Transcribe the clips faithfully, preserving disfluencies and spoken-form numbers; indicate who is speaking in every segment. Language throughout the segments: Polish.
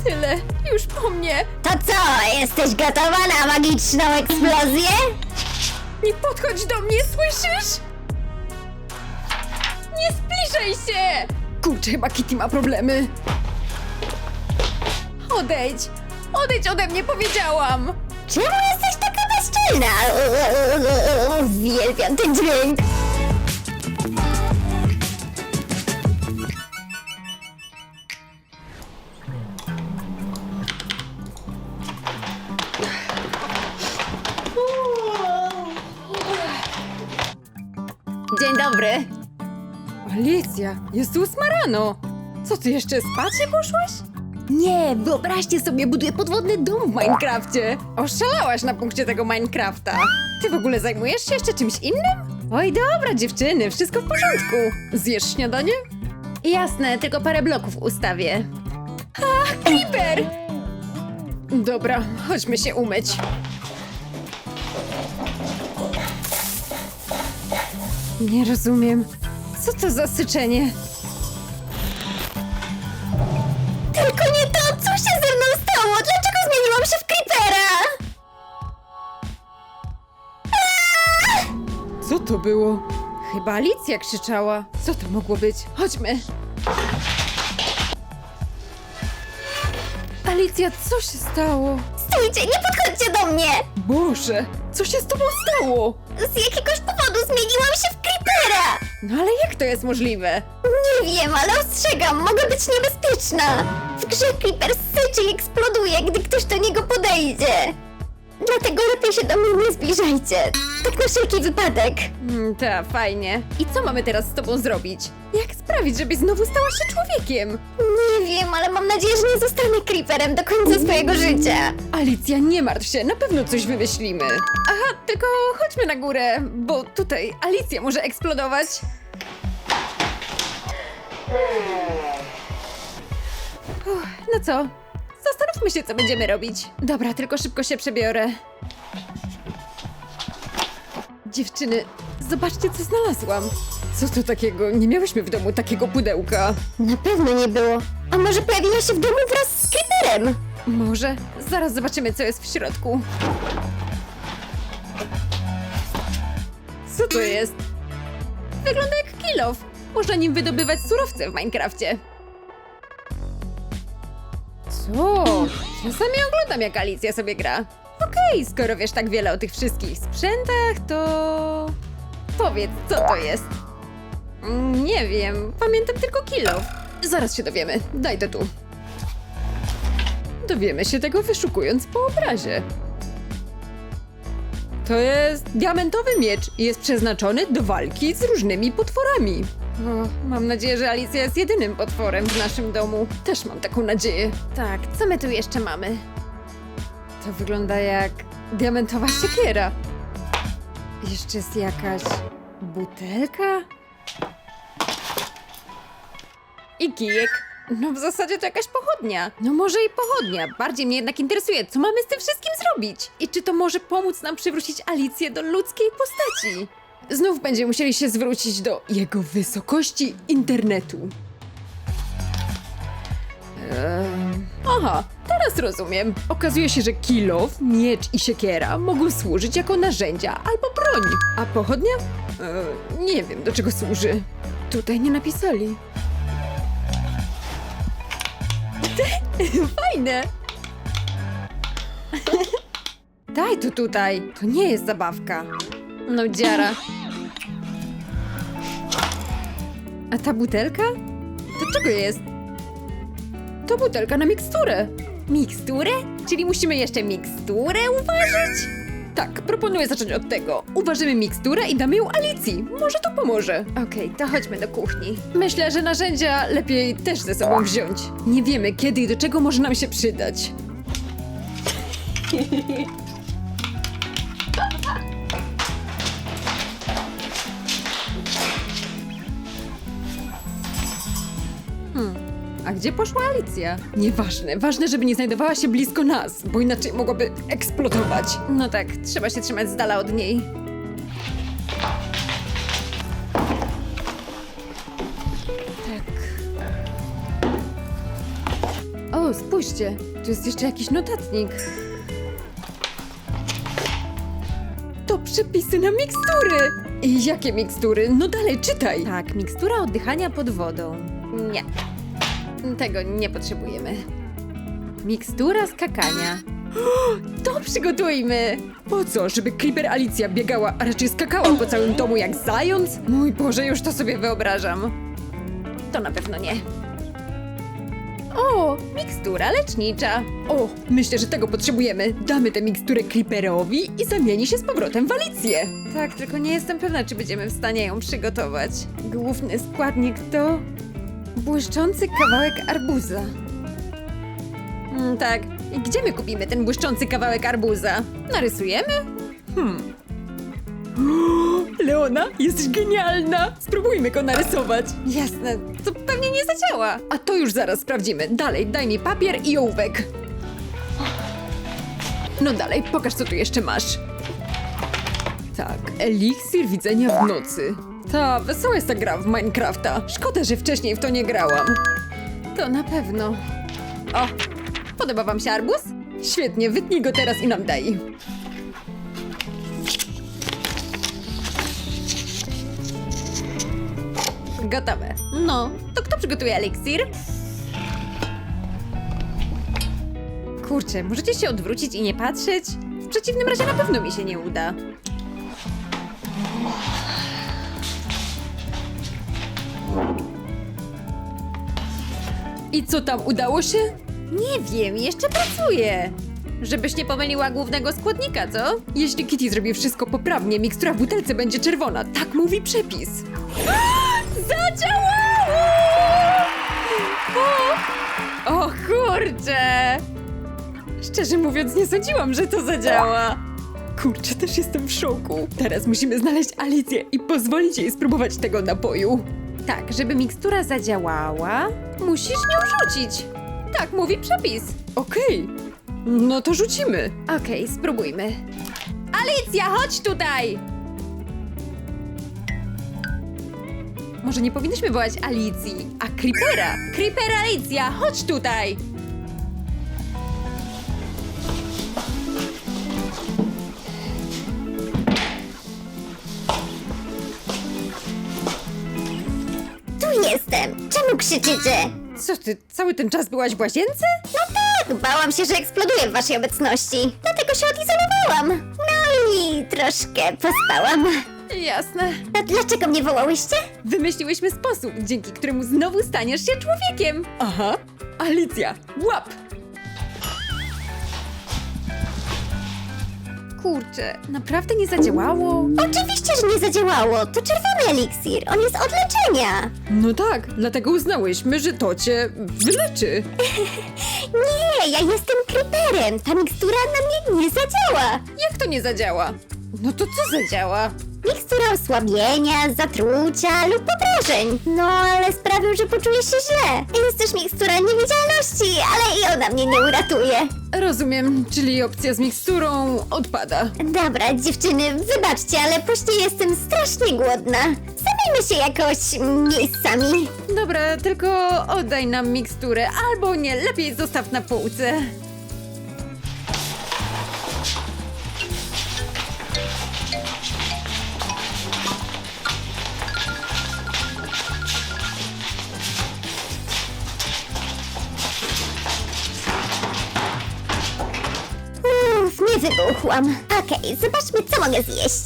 Speaker 1: tyle. Już po mnie.
Speaker 2: To co, jesteś gotowa na magiczną eksplozję?
Speaker 1: Nie podchodź do mnie, słyszysz? Nie zbliżaj się! Kurczę, chyba Kitty ma problemy. Odejdź! Odejdź ode mnie, powiedziałam!
Speaker 2: Czemu jesteś taka bezczelna? Uwielbiam ten dźwięk.
Speaker 1: Dzień dobry. Alicja, jest ósma rano. Co, ty jeszcze spać nie poszłaś? Nie, wyobraźcie sobie, buduję podwodny dom w Minecrafcie. Oszalałaś na punkcie tego Minecrafta. Ty w ogóle zajmujesz się jeszcze czymś innym? Oj, dobra, dziewczyny, wszystko w porządku. Zjesz śniadanie? Jasne, tylko parę bloków ustawię. Ha, Creeper! Dobra, chodźmy się umyć. Nie rozumiem. Co to za syczenie?
Speaker 2: Tylko nie to, co się ze mną stało? Dlaczego zmieniłam się w creepera?
Speaker 1: Co to było? Chyba Alicja krzyczała. Co to mogło być? Chodźmy. Alicja, co się stało?
Speaker 2: Stójcie, nie podchodźcie do mnie!
Speaker 1: Boże, co się z tobą stało?
Speaker 2: Z jakiegoś powodu zmieniłam się w creepera!
Speaker 1: No ale jak to jest możliwe?
Speaker 2: Nie wiem, ale ostrzegam, mogę być niebezpieczna. W grze creeper syczy i eksploduje, gdy ktoś do niego podejdzie. Dlatego lepiej się do mnie nie zbliżajcie. Tak na wszelki wypadek.
Speaker 1: Hmm, ta, fajnie. I co mamy teraz z tobą zrobić? Jak sprawić, żebyś znowu stała się człowiekiem?
Speaker 2: Nie wiem, ale mam nadzieję, że nie zostanę creeperem do końca swojego życia.
Speaker 1: Alicja, nie martw się, na pewno coś wymyślimy. Aha, tylko chodźmy na górę, bo tutaj Alicja może eksplodować. Uff, no co? Zastanówmy się, co będziemy robić. Dobra, tylko szybko się przebiorę. Dziewczyny, zobaczcie, co znalazłam. Co to takiego? Nie miałyśmy w domu takiego pudełka.
Speaker 2: Na pewno nie było. A może pojawiła się w domu wraz z creeperem?
Speaker 1: Może? Zaraz zobaczymy, co jest w środku. Co to jest? Wygląda jak kilof. Można nim wydobywać surowce w Minecrafcie. Co? Czasami oglądam, jak Alicja sobie gra. Okej, skoro wiesz tak wiele o tych wszystkich sprzętach, to... Powiedz, co to jest? Mm, Nie wiem, pamiętam tylko kilof. Zaraz się dowiemy, daj to tu. Dowiemy się tego, wyszukując po obrazie. To jest diamentowy miecz i jest przeznaczony do walki z różnymi potworami. O, mam nadzieję, że Alicja jest jedynym potworem w naszym domu. Też mam taką nadzieję. Tak, co my tu jeszcze mamy? To wygląda jak diamentowa siekiera. Jeszcze jest jakaś butelka? I kijek. No w zasadzie to jakaś pochodnia. No może i pochodnia. Bardziej mnie jednak interesuje, co mamy z tym wszystkim zrobić. I czy to może pomóc nam przywrócić Alicję do ludzkiej postaci. Znów będziemy musieli się zwrócić do jego wysokości internetu. Ehm, aha, teraz rozumiem. Okazuje się, że kilof, miecz i siekiera mogą służyć jako narzędzia albo broń. A pochodnia? Ehm, nie wiem, do czego służy. Tutaj nie napisali. Fajne! Daj to tutaj. To nie jest zabawka. No dziara. A ta butelka? Do czego jest? To butelka na miksturę. Miksturę? Czyli musimy jeszcze miksturę uważać? Tak, proponuję zacząć od tego. Uważymy miksturę i damy ją Alicji. Może to pomoże. Okej, to chodźmy do kuchni. Myślę, że narzędzia lepiej też ze sobą wziąć. Nie wiemy, kiedy i do czego może nam się przydać. Hmm. A gdzie poszła Alicja? Nieważne, ważne, żeby nie znajdowała się blisko nas, bo inaczej mogłaby eksplodować. No tak, trzeba się trzymać z dala od niej. Tak. O, O, spójrzcie, tu jest jeszcze jakiś notatnik. To przepisy na mikstury! I jakie mikstury? No dalej, czytaj! Tak, mikstura oddychania pod wodą. Nie. Tego nie potrzebujemy. Mikstura skakania. To przygotujmy! Po co? Żeby Creeper Alicja biegała, a raczej skakała po całym domu jak zając? Mój Boże, już to sobie wyobrażam. To na pewno nie. O, mikstura lecznicza. O, myślę, że tego potrzebujemy. Damy tę miksturę Creeperowi i zamieni się z powrotem w Alicję. Tak, tylko nie jestem pewna, czy będziemy w stanie ją przygotować. Główny składnik to... błyszczący kawałek arbuza. Mm, tak. I gdzie my kupimy ten błyszczący kawałek arbuza? Narysujemy? Hmm. Leona, jesteś genialna! Spróbujmy go narysować. Jasne, to pewnie nie zadziała. A to już zaraz sprawdzimy. Dalej, daj mi papier i ołówek. No dalej, pokaż, co tu jeszcze masz. Tak, eliksir widzenia w nocy. Ta, wesoła jest ta gra w Minecrafta. Szkoda, że wcześniej w to nie grałam. To na pewno. O, podoba wam się arbuz? Świetnie, wytnij go teraz i nam daj. Gotowe. No, to kto przygotuje eliksir? Kurczę, możecie się odwrócić i nie patrzeć? W przeciwnym razie na pewno mi się nie uda. I co tam, udało się? Nie wiem, jeszcze pracuję. Żebyś nie pomyliła głównego składnika, co? Jeśli Kitty zrobi wszystko poprawnie, mikstura w butelce będzie czerwona. Tak mówi przepis. Zadziałało! O, o kurczę! Szczerze mówiąc, nie sądziłam, że to zadziała. Kurczę, też jestem w szoku. Teraz musimy znaleźć Alicję i pozwolić jej spróbować tego napoju. Tak, żeby mikstura zadziałała, musisz nią rzucić. Tak mówi przepis. Okej, no to rzucimy. Okej, spróbujmy. Alicja, chodź tutaj! Może nie powinnyśmy wołać Alicji, a Creepera. Creeper Alicja, chodź tutaj!
Speaker 2: Tu jestem! Czemu krzyczycie?
Speaker 1: Co ty, cały ten czas byłaś w łazience?
Speaker 2: No tak, bałam się, że eksploduję w waszej obecności. Dlatego się odizolowałam. No i troszkę pospałam.
Speaker 1: Jasne.
Speaker 2: A dlaczego mnie wołałyście?
Speaker 1: Wymyśliłyśmy sposób, dzięki któremu znowu staniesz się człowiekiem. Aha. Alicja, łap! Kurczę, naprawdę nie zadziałało?
Speaker 2: Oczywiście, że nie zadziałało. To czerwony eliksir. On jest od leczenia.
Speaker 1: No tak, dlatego uznałyśmy, że to cię wyleczy.
Speaker 2: Nie, ja jestem creeperem. Ta mikstura na mnie nie zadziała.
Speaker 1: Jak to nie zadziała? No to co zadziała?
Speaker 2: Mikstura osłabienia, zatrucia lub podrażeń. No, ale sprawił, że poczuję się źle. Jest też mikstura niewidzialności, ale i ona mnie nie uratuje.
Speaker 1: Rozumiem, czyli opcja z miksturą odpada.
Speaker 2: Dobra, dziewczyny, wybaczcie, ale później jestem strasznie głodna. Zabijmy się jakoś miejscami.
Speaker 1: Dobra, tylko oddaj nam miksturę, albo nie, lepiej zostaw na półce.
Speaker 2: Uff, nie wybuchłam. Okej, zobaczmy, co mogę zjeść.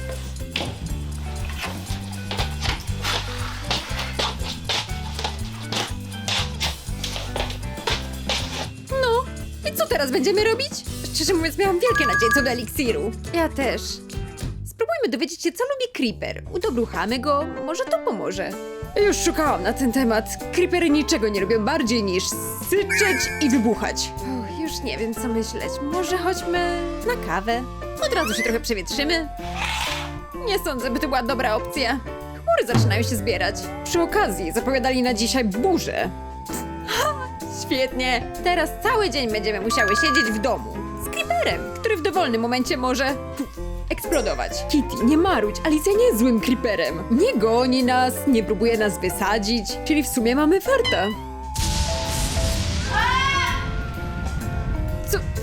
Speaker 1: No, i co teraz będziemy robić? Szczerze mówiąc, miałam wielkie nadzieje co do eliksiru. Ja też. Spróbujmy dowiedzieć się, co lubi Creeper. Udobruchamy go, może to pomoże. Już szukałam na ten temat. Creepery niczego nie robią bardziej niż syczeć i wybuchać. Uch, już nie wiem, co myśleć. Może chodźmy na kawę? Od razu się trochę przewietrzymy. Nie sądzę, by to była dobra opcja. Chmury zaczynają się zbierać. Przy okazji zapowiadali na dzisiaj burzę. Ha, świetnie! Teraz cały dzień będziemy musiały siedzieć w domu. Z Creeperem, który w dowolnym momencie może puf, eksplodować. Kitty, nie marudź, Alicja nie jest złym Creeperem. Nie goni nas, nie próbuje nas wysadzić, czyli w sumie mamy farta.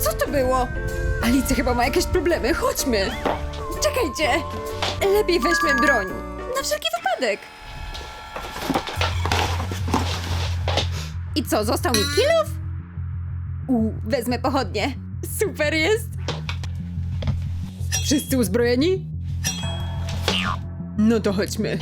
Speaker 1: Co to było? Alicja chyba ma jakieś problemy, chodźmy! Czekajcie! Lepiej weźmy broń. Na wszelki wypadek. I co, został mi kilof? U, wezmę pochodnie. Super jest! Wszyscy uzbrojeni? No to chodźmy.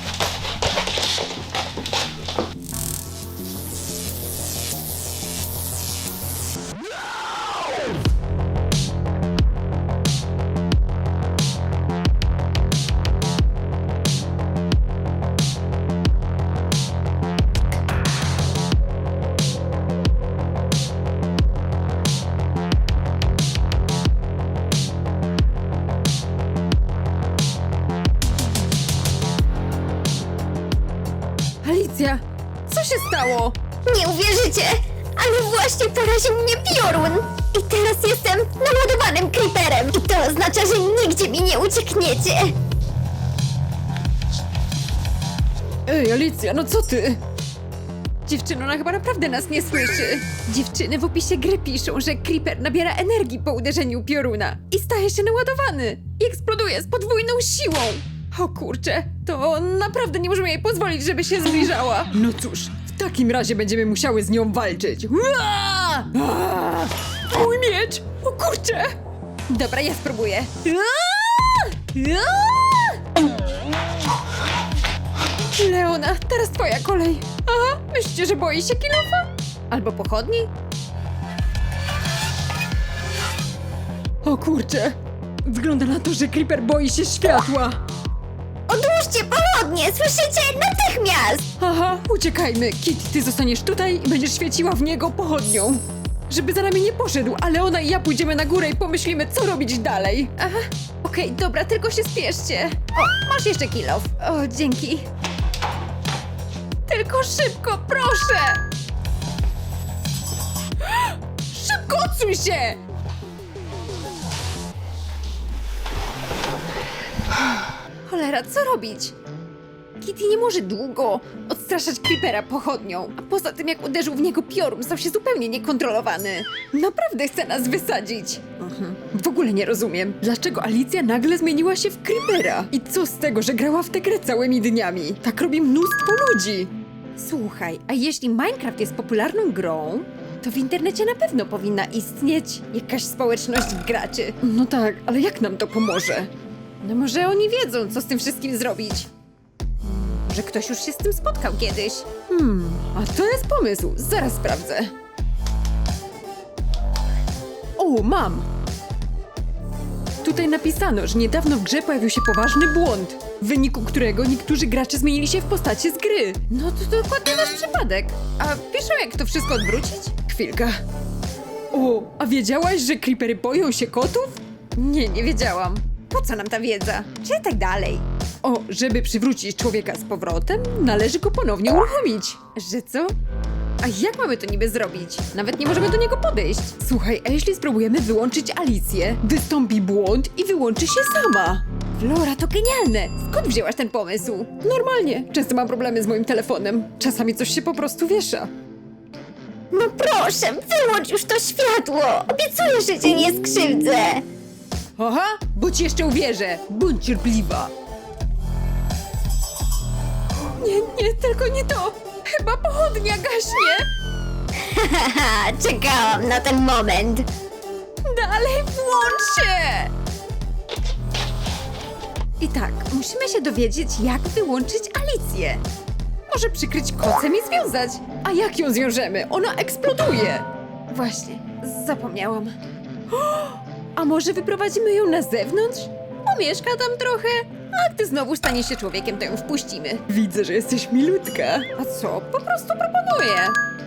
Speaker 1: Alicja, co się stało?
Speaker 2: Nie uwierzycie, ale właśnie poraził mnie piorun. I teraz jestem naładowanym creeperem. I to oznacza, że nigdzie mi nie uciekniecie.
Speaker 1: Ej, Alicja, no co ty? Dziewczyno, ona chyba naprawdę nas nie słyszy. Dziewczyny w opisie gry piszą, że Creeper nabiera energii po uderzeniu pioruna i staje się naładowany i eksploduje z podwójną siłą. O kurczę, to naprawdę nie możemy jej pozwolić, żeby się zbliżała. No cóż, w takim razie będziemy musiały z nią walczyć. Ua! A! Mój miecz! O kurczę! Dobra, ja spróbuję. Ua! Ua! Leona, teraz twoja kolej. Aha, myślicie, że boi się kilofa? Albo pochodni? O kurczę! Wygląda na to, że Creeper boi się światła.
Speaker 2: Odłóżcie pochodnie, słyszycie? Natychmiast!
Speaker 1: Aha, uciekajmy. Kitty, ty zostaniesz tutaj i będziesz świeciła w niego pochodnią. Żeby za nami nie poszedł, ale ona i ja pójdziemy na górę i pomyślimy, co robić dalej. Aha, okej, dobra, tylko się spieszcie. O, masz jeszcze kilof. O, dzięki. Tylko szybko, proszę! Szybko, odsuń się! Cholera, co robić? Kitty nie może długo odstraszać Creepera pochodnią, a poza tym jak uderzył w niego piorun, stał się zupełnie niekontrolowany. Naprawdę chce nas wysadzić. Mhm. W ogóle nie rozumiem, dlaczego Alicja nagle zmieniła się w Creepera. I co z tego, że grała w tę grę całymi dniami? Tak robi mnóstwo ludzi. Słuchaj, a jeśli Minecraft jest popularną grą, to w internecie na pewno powinna istnieć jakaś społeczność graczy. No tak, ale jak nam to pomoże? No może oni wiedzą, co z tym wszystkim zrobić. Może ktoś już się z tym spotkał kiedyś. Hmm, a to jest pomysł. Zaraz sprawdzę. O, mam! Tutaj napisano, że niedawno w grze pojawił się poważny błąd, w wyniku którego niektórzy gracze zmienili się w postacie z gry. No to dokładnie nasz przypadek. A piszą, jak to wszystko odwrócić? Chwilka. O, a wiedziałaś, że creepery boją się kotów? Nie, nie wiedziałam. Po co nam ta wiedza? Czytaj dalej. O, żeby przywrócić człowieka z powrotem, należy go ponownie uruchomić. Że co? A jak mamy to niby zrobić? Nawet nie możemy do niego podejść. Słuchaj, a jeśli spróbujemy wyłączyć Alicję, wystąpi błąd i wyłączy się sama. Flora, to genialne! Skąd wzięłaś ten pomysł? Normalnie. Często mam problemy z moim telefonem. Czasami coś się po prostu wiesza.
Speaker 2: No proszę, wyłącz już to światło! Obiecuję, że cię nie skrzywdzę!
Speaker 1: Aha, bo ci jeszcze uwierzę. Bądź cierpliwa. Nie, nie, tylko nie to. Chyba pochodnia gaśnie.
Speaker 2: Haha, czekałam na ten moment!
Speaker 1: Dalej włącz się! I tak, musimy się dowiedzieć, jak wyłączyć Alicję. Może przykryć kocem i związać. A jak ją zwiążemy? Ona eksploduje. Właśnie, zapomniałam. A może wyprowadzimy ją na zewnątrz? Pomieszka tam trochę, a gdy znowu stanie się człowiekiem, to ją wpuścimy. Widzę, że jesteś milutka. A co? Po prostu proponuję.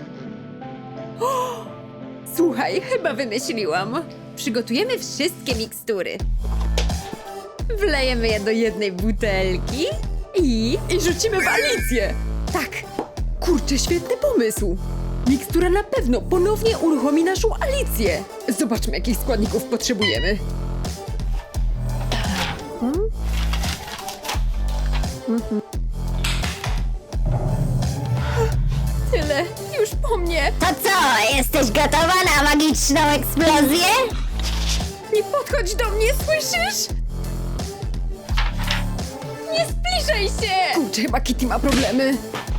Speaker 1: O! Słuchaj, chyba wymyśliłam. Przygotujemy wszystkie mikstury. Wlejemy je do jednej butelki i... I rzucimy w Alicję. Tak. Kurczę, świetny pomysł. Mikstura na pewno ponownie uruchomi naszą Alicję. Zobaczmy, jakich składników potrzebujemy. Hmm? Mhm. Tyle, już po mnie.
Speaker 2: To co, jesteś gotowa na magiczną eksplozję?
Speaker 1: Nie podchodź do mnie, słyszysz? Nie zbliżaj się! Kurczę, chyba Kitty ma problemy.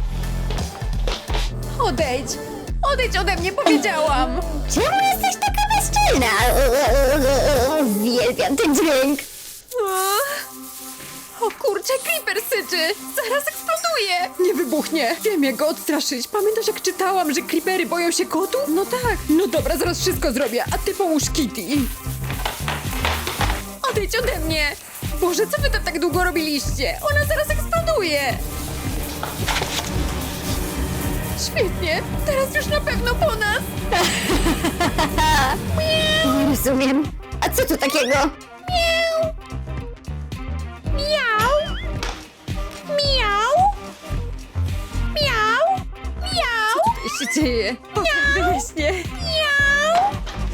Speaker 1: Odejdź! Odejdź ode mnie, powiedziałam!
Speaker 2: Czemu jesteś taka bezczelna? Uwielbiam ten dźwięk.
Speaker 1: O kurczę, Creeper syczy! Zaraz eksploduje! Nie wybuchnie! Wiem, jak go odstraszyć. Pamiętasz, jak czytałam, że creepery boją się kotów? No tak. No dobra, zaraz wszystko zrobię, a ty pomóż Kitty. Odejdź ode mnie! Boże, co wy to tak długo robiliście? Ona zaraz eksploduje! Świetnie! Teraz już na pewno po nas!
Speaker 2: Nie rozumiem. A co tu takiego?
Speaker 1: Miau! Miau! Miau! Miau! Miau! Co tutaj się dzieje? Wyjaśnię. Miau!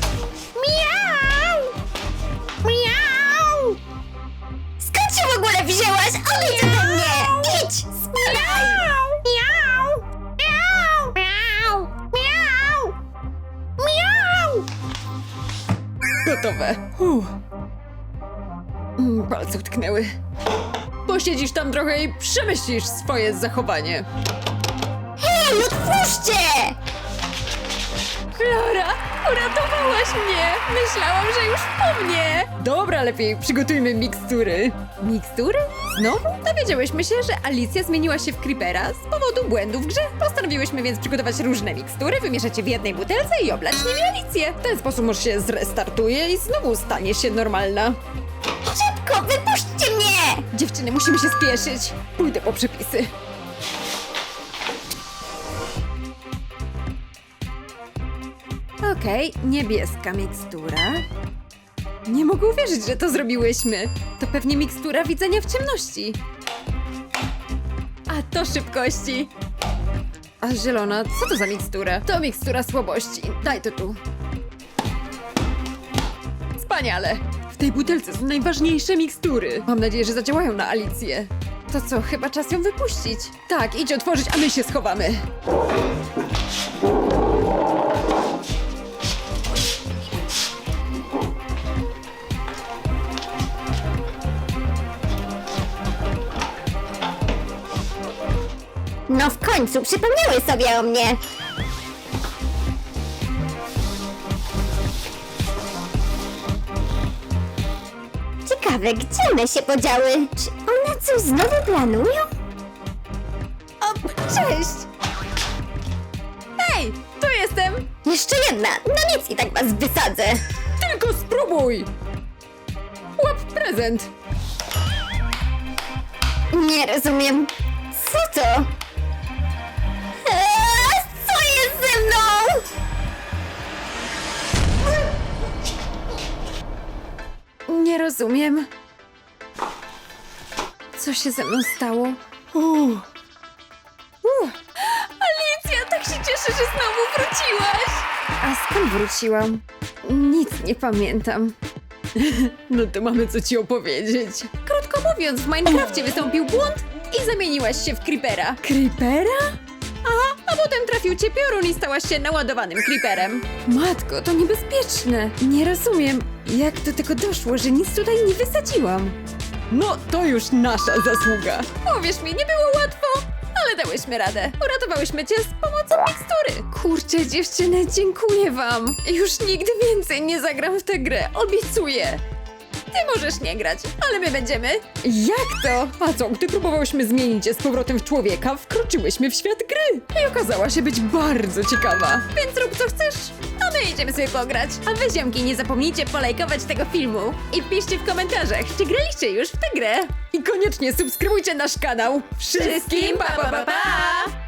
Speaker 1: Miau! Miau!
Speaker 2: Skąd się w ogóle wzięłaś? Odejdź ode mnie! Idź! Spadaj!
Speaker 1: Miau! Miau! Miau! Miau! Miau! Gotowe. Uff. Mm, Palce utknęły. Posiedzisz tam trochę i przemyślisz swoje zachowanie.
Speaker 2: Hej, otwórzcie!
Speaker 1: Flora, uratowałaś mnie! Myślałam, że już po mnie! Dobra, lepiej przygotujmy mikstury. Mikstury? Znowu? Dowiedziałyśmy się, że Alicja zmieniła się w Creepera z powodu błędu w grze. Postanowiłyśmy więc przygotować różne mikstury, wymieszać je w jednej butelce i oblać nimi Alicję. W ten sposób może się zrestartuje i znowu stanie się normalna.
Speaker 2: Szybko, wypuśćcie mnie!
Speaker 1: Dziewczyny, musimy się spieszyć. Pójdę po przepisy. Okej, niebieska mikstura. Nie mogę uwierzyć, że to zrobiłyśmy. To pewnie mikstura widzenia w ciemności. A to szybkości. A zielona, co to za mikstura? To mikstura słabości. Daj to tu. Wspaniale! W tej butelce są najważniejsze mikstury. Mam nadzieję, że zadziałają na Alicję. To co, chyba czas ją wypuścić? Tak, idź otworzyć, a my się schowamy.
Speaker 2: No w końcu, przypomniały sobie o mnie. Ciekawe, gdzie one się podziały? Czy one coś znowu planują?
Speaker 1: O, cześć! Hej, tu jestem!
Speaker 2: Jeszcze jedna, no nic i tak was wysadzę.
Speaker 1: Tylko spróbuj! Łap prezent!
Speaker 2: Nie rozumiem. Co to? Eee, co jest ze mną?
Speaker 1: Nie rozumiem. Co się ze mną stało? Uuu. Uuu. Alicja, tak się cieszę, że znowu wróciłaś! A skąd wróciłam? Nic nie pamiętam. No to mamy co ci opowiedzieć. Krótko mówiąc, w Minecrafcie wystąpił błąd i zamieniłaś się w Creepera. Creepera? Aha, a potem trafił cię piorun i stałaś się naładowanym Creeperem. Matko, to niebezpieczne. Nie rozumiem, jak do tego doszło, że nic tutaj nie wysadziłam. No, to już nasza zasługa. Powiesz mi, nie było łatwo, ale dałyśmy radę. Uratowałyśmy cię z pomocą mikstury. Kurczę, dziewczyny, dziękuję wam. Już nigdy więcej nie zagram w tę grę, obiecuję. Ty możesz nie grać, ale my będziemy. Jak to? A co, gdy próbowałyśmy zmienić je z powrotem w człowieka, wkroczyłyśmy w świat gry. I okazała się być bardzo ciekawa. Więc rób co chcesz, a my idziemy sobie pograć. A wy, ziomki, nie zapomnijcie polajkować tego filmu. I piszcie w komentarzach, czy graliście już w tę grę. I koniecznie subskrybujcie nasz kanał. Wszystkim pa pa pa! pa!